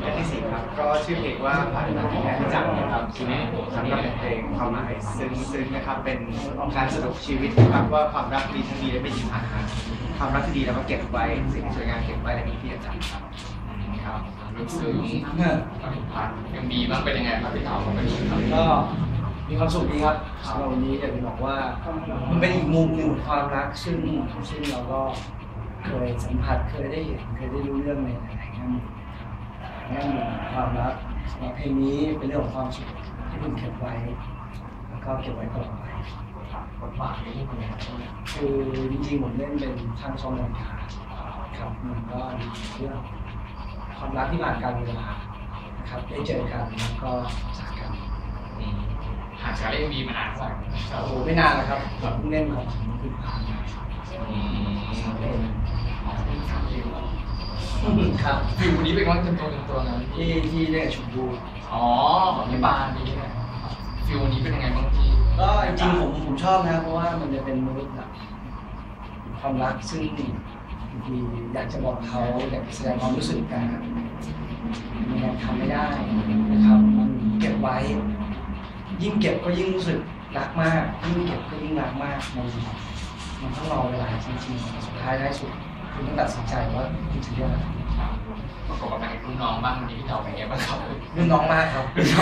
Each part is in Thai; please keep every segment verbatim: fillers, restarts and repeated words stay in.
รื่องที่สี่ครับก็ชื่อเพลงว่าผ่านมาที่แค่จังนะครับทีนี้ครับก็เป็นเพลงความหมายซึ้งๆนะครับเป็นการสรุปชีวิตนะครับว่าความรักดีทั้งดีและไม่ดีผ่านมาความรักที่ดีแล้วก็เก็บไว้สิ่งที่สวยงามเก็บไว้และมีที่จะจำครับครับรู้สึกผ่านยังมีบ้างเป็นยังไงครับพี่เต๋าเป็นก็มีความสุขดีครับสำหรับวันนี้อยากจะบอกว่ามันเป็นอีกมุมหนึ่งของความรักซึ่งซึ่งเราก็เคยสัมผัสเคยได้เห็นเคยได้รู้เรื่องในหลายๆแง่มุมแง่มุมความรักสำหรับเพลงนี้เป็นเรื่องของความสุขที่ผมเก็บไว้แล้วก็เก็บไว้ตลอดไปบทบาทนี้เป็นยังไงคือจริงๆผมเล่นเป็นช่างซ่อมนาฬิกาครับมันก็เรื่องความรักที่ผ่านการเวลานะครับได้เจอกันแล้วก็จากกันหากการเล่นวีมานานเท่าไหร่โอ้โหไม่นานแล้วครับเพิ่งเล่นของคือผ่านมาครับฟิวนี้เป็นว่าเป็นตัวเป็นตัวนั้นที่ที่เล่นชมพูอ๋อของพี่บานนี่ฟิวนี้เป็นยังไงบ้างพี่ก็จริงๆผมผมชอบนะเพราะว่ามันจะเป็นมนุษย์แบบความรักซึ่งบางทีอยากจะบอกเขาอยากแสดงความรู้สึกกันมันยังทำไม่ได้นะครับมันเก็บไว้ยิ่งเก็บก็ยิ่งรู้สึกรักมากยิ่งเก็บก็ยิ่งรักมากมันมันต้องรอเวลาจริงๆสุดท้ายท้ายสุดคุณต้องตัดสินใจว่าคุณจะเลือกอะไรประกอบกับนางรุ่นน้องบ้างวันนี้พี่เต๋าเป็นไงบ้างครับรุ่นน้องมากครับ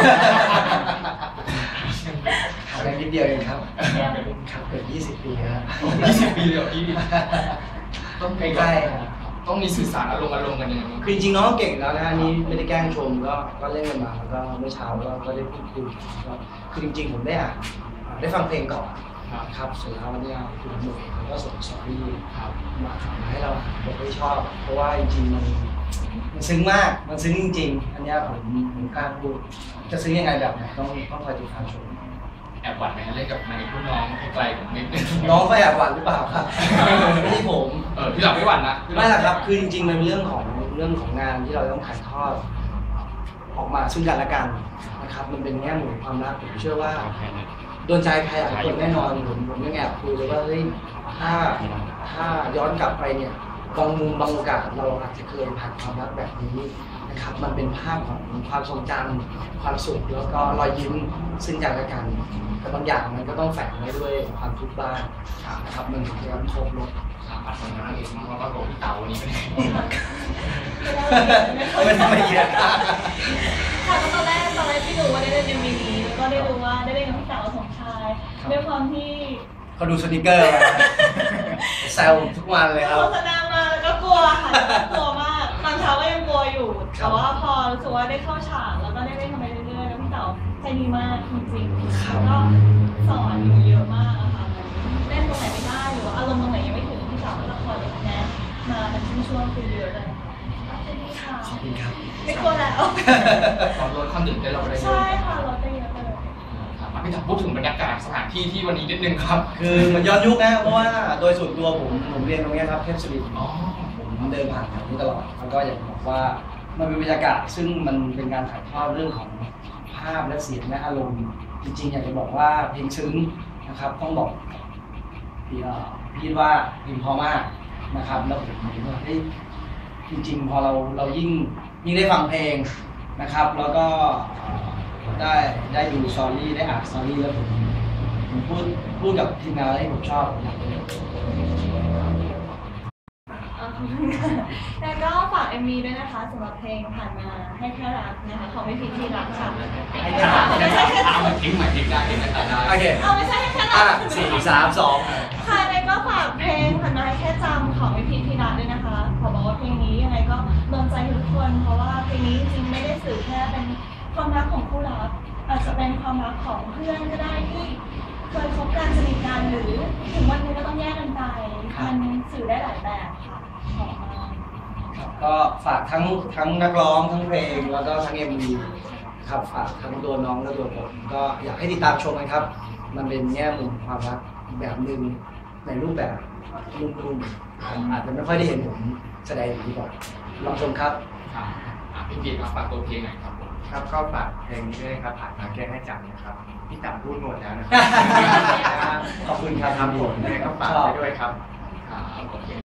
อะไรนิดเดียวเองครับครับเกือบยี่สิบปีครับยี่สิบปีเลยพี่ต้องใกล้ๆต้องมีสื่อสารอารมณ์อารมณ์กันยังไงคือจริงๆน้องเก่งแล้วนะนี่ไม่ได้แกล้งชมก็ก็เล่นกันมาแล้วก็เมื่อเช้าก็ได้พูดคุยก็คือจริงๆผมได้อ่านได้ฟังเพลงก่อนครับเสร็จแล้วเนี่ยคุณหนุ่มเขาก็ส่งสอรี่มาให้เราผมไม่ชอบเพราะว่าจริงๆมันมันซึ้งมากมันซึ้งจริงๆอันนี้ผมผมกล้าพูดจะซึ้งยังไงแบบไหนต้องต้องคอยติดตามชมแอบหวั่นไหมเล่นกับนายรุ่นน้องไกลๆผมนิดนึงน้องก็แอบหวั่นหรือเปล่าครับไม่ใช่ผมเออพี่หลับไม่หวั่นนะไม่หรอกครับคือจริงๆมันเป็นเรื่องของเรื่องของงานที่เราต้องถ่ายทอดออกมาซึ่งกันและกันนะครับมันเป็นแง่มุมความรักผมเชื่อว่าโดนใจใครหลายคนแน่นอนผมผมยังแอบคุยเลยว่าเฮ้ยถ้าถ้าย้อนกลับไปเนี่ยบางมุมบางโอกาสเราอาจจะเคยผ่านความรักแบบนี้นะครับมันเป็นภาพของความทรงจำความสุขแล้วก็รอยยิ้มซึ่งกันและกันแต่บางอย่างมันก็ต้องแฝงไว้ด้วยความทุกข์บ้างนะครับมันถึงจะครบรสปัดสมองเองแล้วก็โดนพี่เต๋าวันนี้เป็นไงไม่ทำไมเยอะค่ะก็ตอนแรกตอนแรกที่รู้ว่าได้เล่นเอ็มวีนี้แล้วก็ได้รู้ว่าได้เล่นกับพี่เต๋าสมชายด้วยความที่เขาดูสติกเกอร์มาแซวทุกวันเลยครับโฆษณามาแล้วก็กลัวค่ะกลัวมากตอนเช้าก็ยังกลัวอยู่แต่ว่าพอรู้สึกว่าได้เข้าฉากแล้วก็ได้เล่นทำไปเรื่อยๆแล้วพี่เต๋าใจดีมากจริงๆแล้วก็สอนอยู่เยอะมากอะค่ะเล่นตรงไหนไม่ได้หรือว่าอารมณ์ตรงไหนยังไม่ถึงพี่เต๋าก็จะคอยแนะมาเป็นช่วงๆคือเยอะเลยค่ะขอบคุณครับไม่กลัวแล้วตอนลดความตื่นเต้นเราได้เยอะใช่ค่ะลดได้เยอะเลยพี่ถามพูดถึงบรรยากาศสถานที่ที่วันนี้นิดนึงครับคือมันย้อนยุคนะเพราะว่าโดยส่วนตัวผมผมเรียนตรงนี้ครับเทพศิรินทร์ผมเดินผ่านแถวนี้ตลอดแล้วก็อยากบอกว่ามันเป็นบรรยากาศซึ่งมันเป็นการถ่ายทอดเรื่องของภาพและเสียงและอารมณ์จริงๆอยากจะบอกว่าเพลงซึ้งนะครับต้องบอกพี่พี่ว่าเพลงพอมากนะครับแล้วผมคิดว่าเฮ้ยจริงๆพอเราเรายิ่งยิ่งได้ฟังเพลงนะครับแล้วก็ได้ได้ดูสตอรี่ได้อ่านสตอรี่แล้วผมผมพูดพูดกับทีมงานที่ผมชอบแล้วก็ฝาก เอ็ม วี ด้วยนะคะสำหรับเพลงผ่านมาให้แค่รักนะคะของพี่พีที่รักค่ะไม่ใช่แค่เอามาทิ้งใหม่ทิ้งได้ทิ้งได้โอเคเอาไม่ใช่แค่รักสี่สามสองค่ะแล้วก็ฝากเพลงผ่านมาให้แค่จำของพี่พีที่รักด้วยนะคะขอบอกว่าเพลงนี้ยังไงก็โดนใจทุกคนเพราะว่าเพลงนี้จริงไม่ได้สื่อแค่เป็นความรักของคู่รักอาจจะเป็นความรักของเพื่อนก็ได้ที่เคยคบกันสนิทกันหรือถึงวันนี้ก็ต้องแยกกันไปมันสื่อได้หลายแบบค่ะก็ฝากทั้งทั้งนักร้องทั้งเพลงแล้วก็ทั้ง เอ็ม วี ครับฝากทั้งตัวน้องและตัวผมก็อยากให้ติดตามชมกันครับมันเป็นแง่มุมความรักแบบหนึ่งในรูปแบบนุ่มๆอาจจะไม่ค่อยได้เห็นผมแสดงอย่างนี้ก่อนลองชมครับพี่พีครับฝากตัวเพลงหน่อยครับครับก็ฝากเพลงนี้ด้วยครับผ่านมาแก้ให้จำนะครับพี่ต่ำพูดหมดแล้วนะครับขอบคุณครับทำผมก็ฝากไปด้วยครับ